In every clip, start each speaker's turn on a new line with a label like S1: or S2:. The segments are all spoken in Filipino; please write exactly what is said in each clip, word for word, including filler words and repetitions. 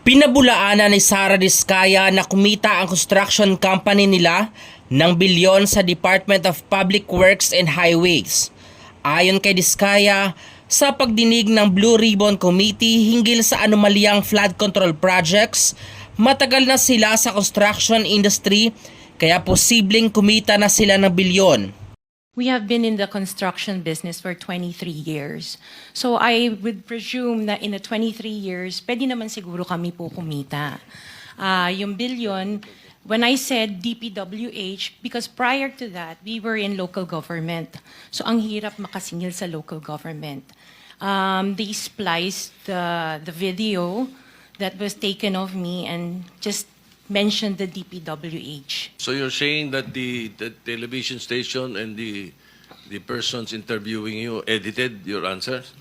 S1: Pinabulaanan ni Sara Diskaya na kumita ang construction company nila ng bilyon sa Department of Public Works and Highways. Ayon kay Diskaya, sa pagdinig ng Blue Ribbon Committee hinggil sa anomalyang flood control projects, matagal na sila sa construction industry kaya posibleng kumita na sila ng bilyon.
S2: We have been in the construction business for twenty-three years. So I would presume na in the twenty-three years, pwede naman siguro kami po kumita. Uh, yung billion, when I said D P W H, because prior to that, we were in local government. So ang hirap makasingil sa local government. Um, they spliced the, the video that was taken of me and just mentioned the D P W H.
S3: So you're saying that the, the television station and the the persons interviewing you edited your answers?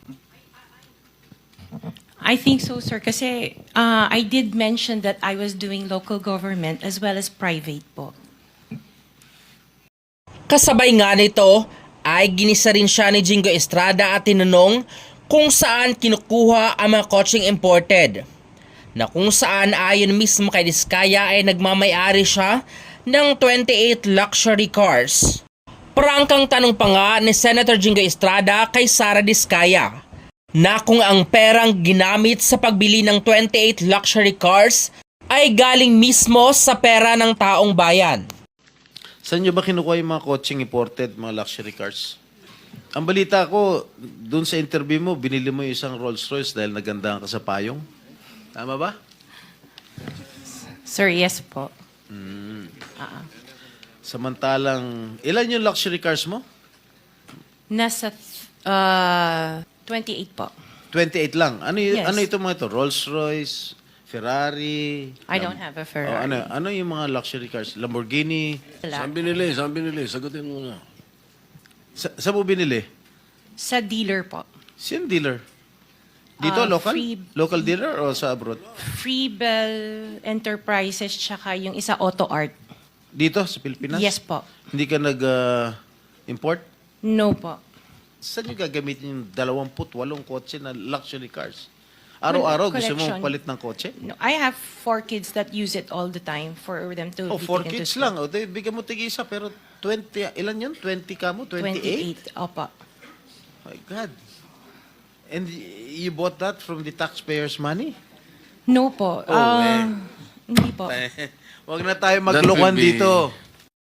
S2: I think so, sir. Kasi uh, I did mention that I was doing local government as well as private po.
S1: Kasabay nga nito ay ginisa rin siya ni Jingo Estrada at tinanong kung saan kinukuha ang mga kotseng imported, na kung saan ayon mismo kay Diskaya ay nagmamayari siya ng twenty-eight luxury cars. Prangkang tanong pa nga ni Senator Jingo Estrada kay Sara Diskaya na kung ang perang ginamit sa pagbili ng twenty-eight luxury cars ay galing mismo sa pera ng taong bayan.
S4: Saan nyo ba kinukuha yung mga coaching imported, mga luxury cars? Ang balita ko, dun sa interview mo, binili mo yung isang Rolls Royce dahil nagandahan ka sa payong. Tama ba?
S2: Sir, yes po.
S4: Mm.
S2: Uh-uh.
S4: Samantalang, ilan yung luxury cars mo?
S2: Nasa uh, twenty-eight po.
S4: twenty-eight lang. Ano, y-
S2: Yes.
S4: ano ito mga ito? Rolls Royce, Ferrari?
S2: I
S4: Lam-
S2: don't have a
S4: Oh,
S2: Ferrari.
S4: ano, ano yung mga luxury cars? Lamborghini?
S2: Wala.
S3: Saan binili? Saan binili? Sagutin mo na.
S4: Sa, saan mo binili?
S2: Sa dealer po.
S4: Sino dealer? Dito,
S2: Ah,
S4: local?
S2: free-
S4: Local dealer o sa abroad?
S2: Freebell Enterprises tsaka yung isa Auto Art.
S4: Dito, sa Pilipinas?
S2: Yes po.
S4: Hindi ka nag-import?
S2: No po.
S4: Saan nyo gagamitin yung dalawamput walong kotse na luxury cars? Araw-araw gusto mo
S2: Collection.
S4: palit ng kotse?
S2: No, I have four kids that use it all the time for them to
S4: Oh,
S2: be
S4: four
S2: taken to
S4: kids
S2: school.
S4: lang. O, di, bigyan mo tig-isa, pero twenty, ilan yun? twenty ka mo? twenty-eight?
S2: twenty-eight. Opo.
S4: My God. And y- you bought that from the taxpayers' money?
S2: No po.
S4: Oh,
S2: Ah,
S4: eh.
S2: Hindi po.
S4: Huwag na tayo
S3: That
S4: maglokohan
S3: will be-
S4: dito.